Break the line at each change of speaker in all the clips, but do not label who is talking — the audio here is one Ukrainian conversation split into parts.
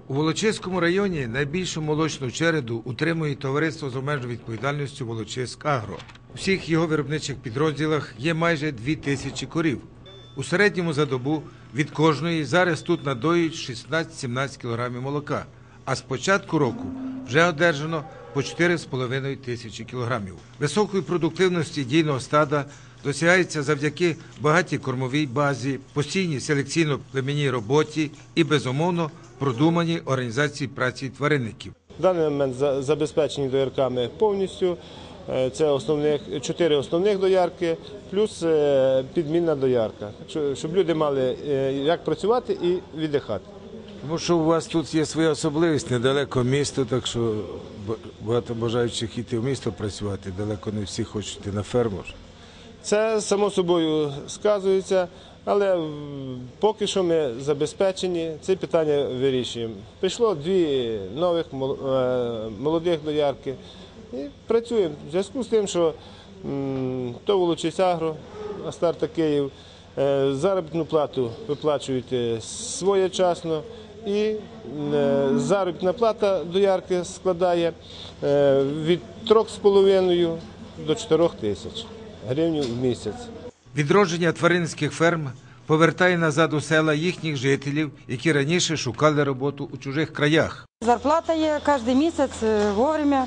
У Волочиському районі найбільшу молочну череду утримує товариство з обмеженою відповідальністю «Волочиськ-Агро». У всіх його виробничих підрозділах є майже 2000 корів. У середньому за добу від кожної зараз тут надоюють 16-17 кг молока, а з початку року вже одержано по 4,5 тисячі кілограмів. Високої продуктивності дійного стада досягається завдяки багатій кормовій базі, постійній селекційно-племінній роботі і, безумовно, продуманій організації праці тваринників.
В даний момент забезпечені доярками повністю. Це 4 основних доярки, плюс підмінна доярка, щоб люди мали як працювати і віддихати.
Тому що у вас тут є своя особливість, недалеко місто, так що багато бажаючих йти в місто працювати, далеко не всі хочуть йти на ферму.
Це, само собою, сказується, але поки що ми забезпечені, це питання вирішуємо. Прийшло 2 нових молодих доярки і працюємо. В зв'язку з тим, що то Волочиськ-Агро, Астарта Київ, заробітну плату виплачують своєчасно, і заробітна плата доярки складає від 3,5 до 4 тисяч гривень в місяць.
Відродження тваринницьких ферм повертає назад у села їхніх жителів, які раніше шукали роботу у чужих краях.
Зарплата є кожен місяць, вовремя,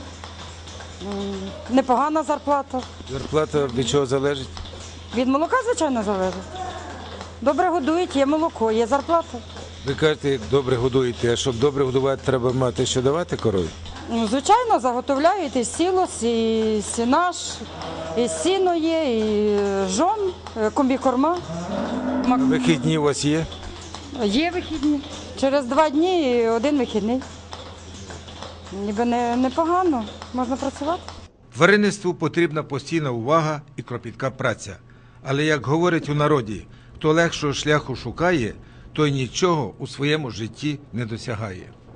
непогана зарплата.
Зарплата від чого залежить?
Від молока, звичайно, залежить. Добре годують, є молоко, є зарплата.
Ви кажете, як добре годуєте, а щоб добре годувати, треба мати що давати корові?
Звичайно, заготовляють і сілос, і сінаш, і сіно є, і жон, комбікорма.
Вихідні у вас є?
Є вихідні. Через 2 дні і 1 вихідний. Ніби непогано, можна працювати.
Тваринництву потрібна постійна увага і кропітка праця. Але, як говорять у народі, хто легшого шляху шукає, той нічого у своєму житті не досягає.